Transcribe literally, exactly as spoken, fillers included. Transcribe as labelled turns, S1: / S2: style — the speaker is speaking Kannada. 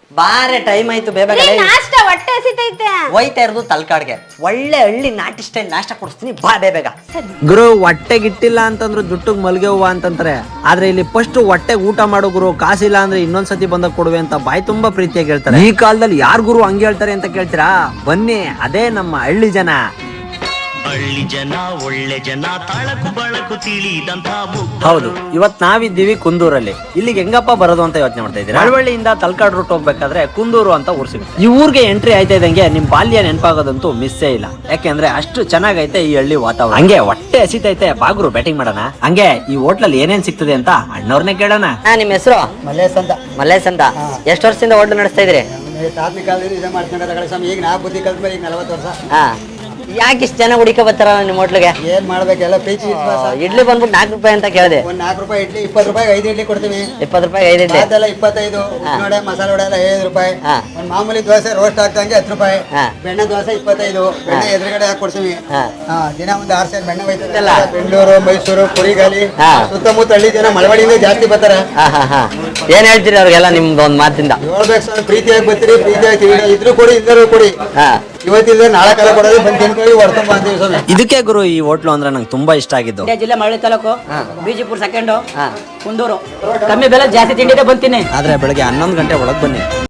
S1: ಬಾರೆ ಟೈಮ್ ಆಯ್ತು ಬೇಗ
S2: ನಾಷ್ಟ ಹೊಟ್ಟೆ ಹಸಿತೈತೆ.
S1: ಹೋಯ್ತಾ ಇರೋದು ತಲ್ಕಾಡ್ಗೆ ಒಳ್ಳೆ ಹಳ್ಳಿ ನಾಟಿ ಸ್ಟೈಲ್ ನಾಷ್ಟ ಕೊಡಿಸ್ತೀನಿ ಬಾ ಬೇಗ.
S3: ಗುರು ಹೊಟ್ಟೆಗಿಟ್ಟಿಲ್ಲ ಅಂತಂದ್ರು ಜುಟ್ಟಿಗೆ ಮಲ್ಗೆ ಹೂವ ಅಂತಂತಾರೆ. ಆದ್ರೆ ಇಲ್ಲಿ ಫಸ್ಟ್ ಹೊಟ್ಟೆಗೆ ಊಟ ಮಾಡೋ ಗುರು, ಕಾಸಿಲ್ಲ ಅಂದ್ರೆ ಇನ್ನೊಂದ್ಸತಿ ಬಂದಾಗ ಕೊಡುವೆ ಅಂತ ಬಾಯಿ ತುಂಬಾ ಪ್ರೀತಿಯಾಗಿ ಹೇಳ್ತಾರೆ. ಈ ಕಾಲದಲ್ಲಿ ಯಾರ್ ಗುರು ಹಂಗೆ ಹೇಳ್ತಾರೆ ಅಂತ ಕೇಳ್ತೀರಾ? ಬನ್ನಿ, ಅದೇ ನಮ್ಮ ಹಳ್ಳಿ ಜನ.
S4: ಹಳ್ಳಿ ಜನ ಒಳ್ಳೆ ಜನ, ತಳಕು ಬಳಕು ತಿಳಿದಂತ.
S3: ಹೌದು, ಇವತ್ ನಾವಿದ್ದೀವಿ ಕುಂದೂರಲ್ಲಿ. ಇಲ್ಲಿಗೆ ಹೆಂಗಪ್ಪ ಬರೋದು ಅಂತ ಯೋಚನೆ ಮಾಡ್ತಾ ಇದ್ದೀರಾ? ಮಳವಳ್ಳಿಯಿಂದ ತಲಕಾಡ್ ರೂಟ್ ಹೋಗ್ಬೇಕಾದ್ರೆ ಕುಂದೂರು ಅಂತ ಊರ್ ಸಿಗುತ್ತೆ. ಈ ಊರಿಗೆ ಎಂಟ್ರಿ ಆಯ್ತಾ ಇದ್ದಂಗೆ ನಿಮ್ ಬಾಲ್ಯ ನೆನಪಾಗೋದಂತೂ ಮಿಸ್ಸೇ ಇಲ್ಲ. ಯಾಕೆಂದ್ರೆ ಅಷ್ಟು ಚೆನ್ನಾಗೈತೆ ಈ ಹಳ್ಳಿ ವಾತಾವರಣ. ಹಂಗೆ ಹೊಟ್ಟೆ ಹಸಿತೈತೆ, ಬಾಗ್ರು ಬ್ಯಾಟಿಂಗ್ ಮಾಡೋಣ. ಹಂಗೆ ಈ ಹೋಟ್ಲಲ್ಲಿ ಏನೇನ್ ಸಿಗ್ತದೆ ಅಂತ ಅಣ್ಣವ್ರನ್ನೇ ಕೇಳೋಣ.
S1: ನಿಮ್ಮ ಹೆಸರು?
S5: ಮಲ್ಲೇಶ್ ಅಂತ.
S1: ಮಲ್ಲೇಶ್ ಅಂತ. ಎಷ್ಟು ವರ್ಷದಿಂದ ಹೋಟ್ಲು ನಡೆಸ್ತಾ ಇದ್ರಿ?
S5: ತಾತನ ಕಾಲದಿಂದ ಇದೇ ಮಾಡ್ಕೊಂಡ್ರೆ ತಗೊಳ್ಳಿ ಸ್ವಾಮಿ. ಈಗ ನಾ ಬುದ್ಧಿ ಕಲ್ತ್ಮೇಲೆ ಈಗ ನಲವತ್ತು ವರ್ಷ.
S1: ಹಾ, ಯಾಕೆ ಇಷ್ಟು ಜನ ಹುಡುಕ ಬರ್ತಾರ ನಿಮ್ಮ ಹೋಟ್ಲಿಗೆ?
S5: ಏನ್ ಮಾಡ್ಬೇಕೆಲ್ಲ ಪ್ರೀತಿ ವಿಶ್ವಾಸ.
S1: ಇಡ್ಲಿ ಬಂದ್ಬಿಟ್ಟು ನಾಲ್ಕು ರೂಪಾಯಿ ಅಂತ ಕೇಳಿದೆ.
S5: ಒಂದ್ ನಾಲ್ಕು ರೂಪಾಯಿ ಇಡ್ಲಿ, ಇಪ್ಪತ್ತು ರೂಪಾಯಿ ಐದು ಇಡ್ಲಿ ಕೊಡ್ತೀವಿ.
S1: ಇಪ್ಪತ್ತು ರೂಪಾಯಿ ಐದು ಇಡ್ಲಿ.
S5: ಅದೆಲ್ಲ ಇಪ್ಪತ್ತೈದು. ವಡೆ ಮಸಾಲೆ ವಡೆ ಎಲ್ಲ ಐದು ರೂಪಾಯಿ.
S1: ಹಾ.
S5: ಒಂದ್ ಮಾಮೂಲಿ ದೋಸೆ ರೋಸ್ಟ್ ಹಾಕ್ತಂಗೆ ಹತ್ತು ರೂಪಾಯಿ.
S1: ಹಾ.
S5: ಬೆಣ್ಣೆ ದೋಸೆ ಇಪ್ಪತ್ತೈದು. ಬೆಣ್ಣೆ ಎದುರುಗಡೆ ಹಾಕಿ ಕೊಡ್ತೀವಿ.
S1: ಹಾ.
S5: ಹಾ, ದಿನ ಒಂದ್ ಆರು ಸೇರ್ ಬೆಣ್ಣೆ ಹೋಯ್ತದೆ.
S1: ಎಲ್ಲ?
S5: ಬೆಂಗಳೂರು, ಮೈಸೂರು, ಕುರಿಗಾಲಿ,
S1: ಹಾ.
S5: ಸುತ್ತಮುತ್ತ ಹಳ್ಳಿ ಜನ ಮಳವಳ್ಳಿಯಿಂದ ಜಾಸ್ತಿ ಬರ್ತಾರೆ.
S1: ಹಾ ಹಾ ಹಾ ಏನ್ ಹೇಳ್ತೀರಿ ಅವ್ರಿಗೆಲ್ಲ ನಿಮ್ದು ಒಂದ್ ಮಾತಿಂದ?
S5: ಹೇಳ್ಬೇಕು ಸ್ವಾಮಿ, ಪ್ರೀತಿಯಾಗಿ ಬರ್ತೀರಿ, ಪ್ರೀತಿಯಾಗಿ ತಿಳಿ ಇದ್ರು ಕೊಡಿ, ಇಲ್ಲರೂ ಕೊಡಿ.
S1: ಹಾ,
S5: ಇವತ್ತಿಲ್ಲ ನಾಳೆ ಕಾಲ ಕೊಡೋದು ಬಂದು ತಿನ್ಕೊಳ್ಳಿ, ಹೊಡ್ಕೊಂಡ್ ಬಂತೀವಿ ಸ್ವಾಮಿ.
S3: ಇದಕ್ಕೆ ಗುರು ಈ ಹೋಟ್ಲು ಅಂದ್ರೆ ನಂಗೆ ತುಂಬಾ ಇಷ್ಟ ಆಗಿದ್ದು.
S6: ಮಂಡ್ಯ ಜಿಲ್ಲೆ ಮಳವಳ್ಳಿ ತಾಲೂಕು, ಬಿಜಿಪುರ ಸೆಕೆಂಡು,
S1: ಹಾ.
S6: ಕುಂದೂರು. ಕಮ್ಮಿ ಬೆಲೆ ಜಾಸ್ತಿ ತಿಂಡಿದೆ ಬಂತೀನಿ.
S3: ಆದ್ರೆ ಬೆಳಗ್ಗೆ ಹನ್ನೊಂದು ಗಂಟೆ ಒಳಗೆ ಬನ್ನಿ.